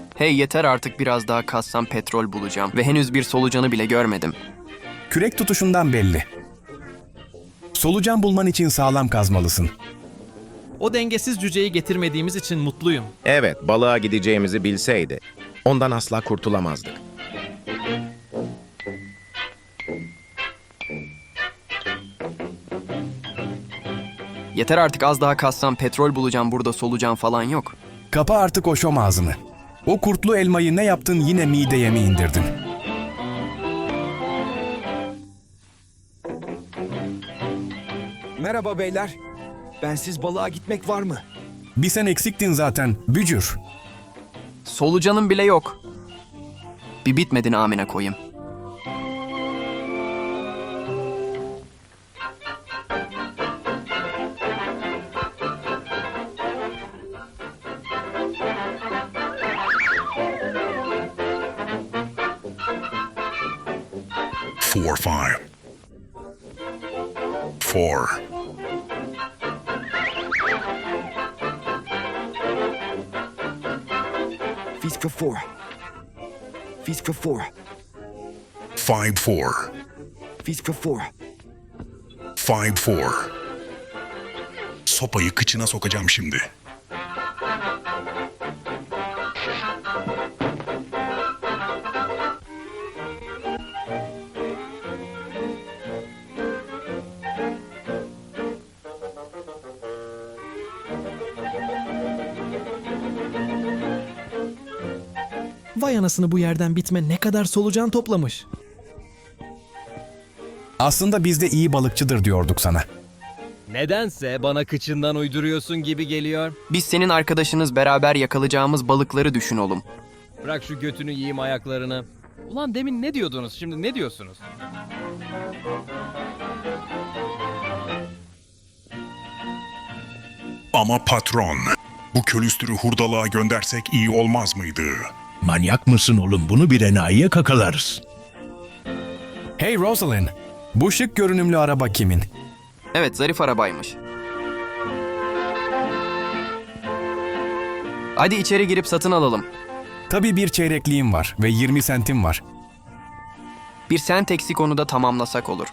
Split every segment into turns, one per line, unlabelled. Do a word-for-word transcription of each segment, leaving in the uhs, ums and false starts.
Hey yeter artık biraz daha kazsam petrol bulacağım ve henüz bir solucanı bile görmedim.
Kürek tutuşundan belli. Solucan bulman için sağlam kazmalısın.
O dengesiz cüceyi getirmediğimiz için mutluyum.
Evet, balığa gideceğimizi bilseydi, ondan asla kurtulamazdık.
Yeter artık az daha kazsam petrol bulacağım, burada solucan falan yok.
Kapa artık o şom ağzını. O kurtlu elmayı ne yaptın, yine mideye mi indirdin?
Merhaba beyler. Bensiz balığa gitmek var mı?
Bir sen eksiktin zaten, bücür.
Solucanın bile yok. Bir bitmedin amine koyayım.
Four, five. Four.
Fiska four. Fiska four.
Five, four.
Fiska four.
Five, four. Sopayı kıçına sokacağım şimdi.
Vay anasını, bu yerden bitme ne kadar solucan toplamış.
Aslında biz de iyi balıkçıdır diyorduk sana.
Nedense bana kıçından uyduruyorsun gibi geliyor.
Biz senin arkadaşınız, beraber yakalayacağımız balıkları düşün oğlum.
Bırak şu götünü yiyeyim ayaklarını. Ulan demin ne diyordunuz, şimdi ne diyorsunuz?
Ama patron, bu külüstürü hurdalığa göndersek iyi olmaz mıydı?
Manyak mısın oğlum? Bunu bir enayiye kakalarız.
Hey Rosalind, bu şık görünümlü araba kimin?
Evet, zarif arabaymış. Hadi içeri girip satın alalım.
Tabii bir çeyrekliğim var ve yirmi sentim var.
Bir sent eksik, onu da tamamlasak olur.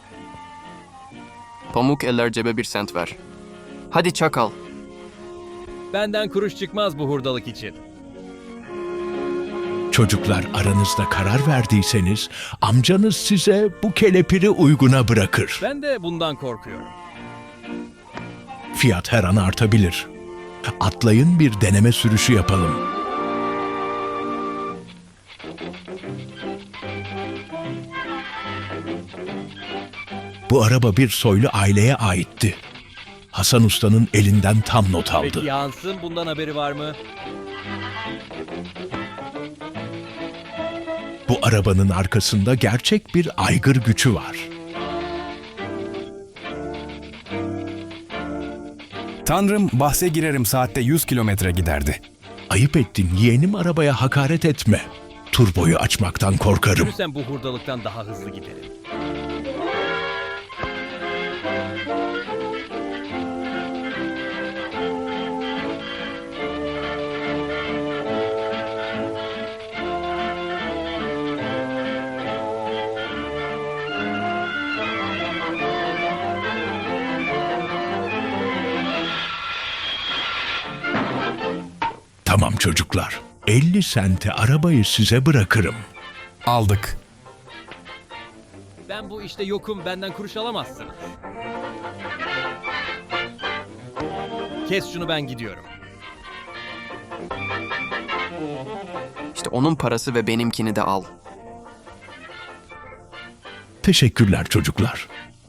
Pamuk eller cebe bir sent ver. Hadi çakal.
Benden kuruş çıkmaz bu hurdalık için.
Çocuklar, aranızda karar verdiyseniz amcanız size bu kelepiri uyguna bırakır.
Ben de bundan korkuyorum.
Fiyat her an artabilir. Atlayın, bir deneme sürüşü yapalım. Bu araba bir soylu aileye aitti. Hasan Usta'nın elinden tam not aldı.
Peki Hans'ın bundan haberi var mı?
Bu arabanın arkasında gerçek bir aygır gücü var.
Tanrım, bahse girerim saatte yüz kilometre giderdi.
Ayıp ettin, yeğenim, arabaya hakaret etme. Turboyu açmaktan korkarım.
Sen bu hurdalıktan daha hızlı giderim.
Tamam çocuklar, elli sente arabayı size bırakırım.
Aldık.
Ben bu işte yokum, benden kuruş alamazsın. Kes şunu, ben gidiyorum.
İşte onun parası ve benimkini de al.
Teşekkürler çocuklar.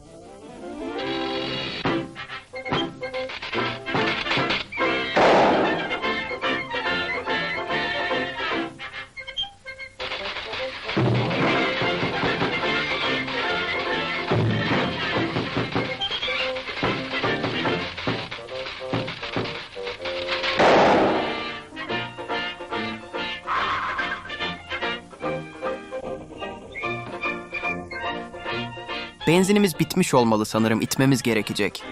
Benzinimiz bitmiş olmalı sanırım, itmemiz gerekecek.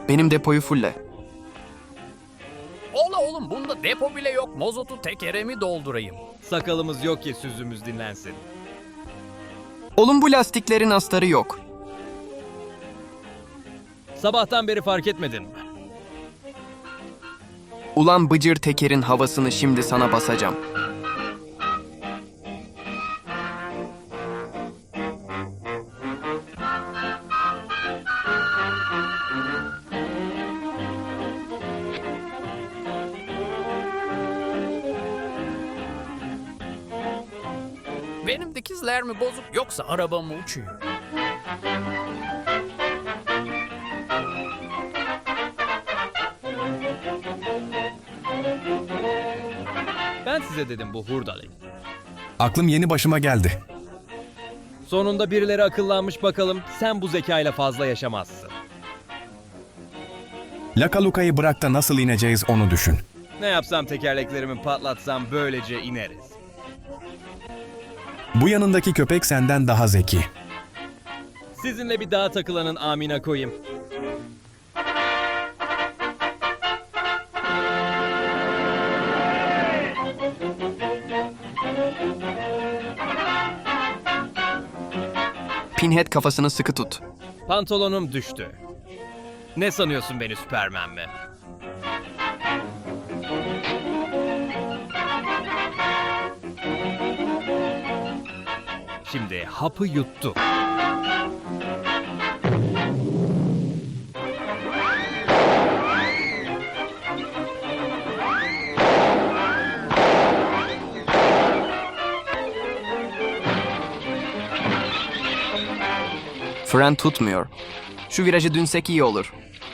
Benim depoyu fulle.
Ola oğlum bunda depo bile yok. Mozotu tekere mi doldurayım?
Sakalımız yok ki sözümüz dinlensin.
Oğlum bu lastiklerin astarı yok.
Sabahtan beri fark etmedin mi?
Ulan bıcır tekerin havasını şimdi sana basacağım.
Benim dikizler mi bozuk yoksa araba mı uçuyor?
Ben size dedim bu hurdalayı.
Aklım yeni başıma geldi.
Sonunda birileri akıllanmış bakalım. Sen bu zekayla fazla yaşamazsın.
Lakaluka'yı bırak da nasıl ineceğiz onu düşün.
Ne yapsam tekerleklerimi patlatsam böylece ineriz.
Bu yanındaki köpek senden daha zeki.
Sizinle bir dağa takılanın amina koyayım.
Pinhead kafasını sıkı tut.
Pantolonum düştü. Ne sanıyorsun beni Süpermen mi? Şimdi hapı yuttu.
Fren tutmuyor. Şu virajı dünsek iyi olur.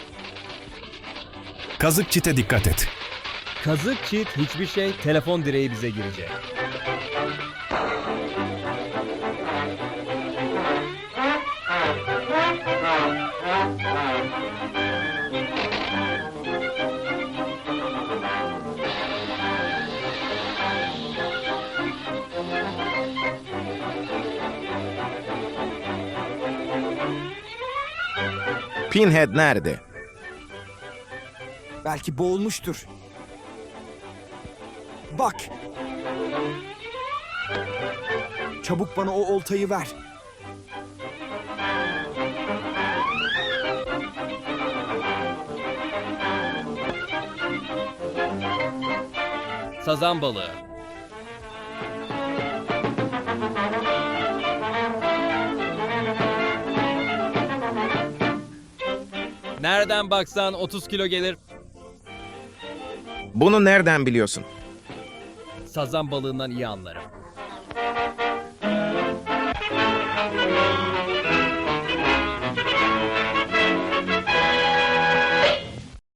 Kazık çite dikkat et.
Kazık çit hiçbir şey, telefon direği bize girecek.
Pinhead nerede?
Belki boğulmuştur. Bak. Çabuk bana o oltayı ver.
Sazan balığı. Nereden baksan otuz kilo gelir.
Bunu nereden biliyorsun?
Sazan balığından iyi anlarım.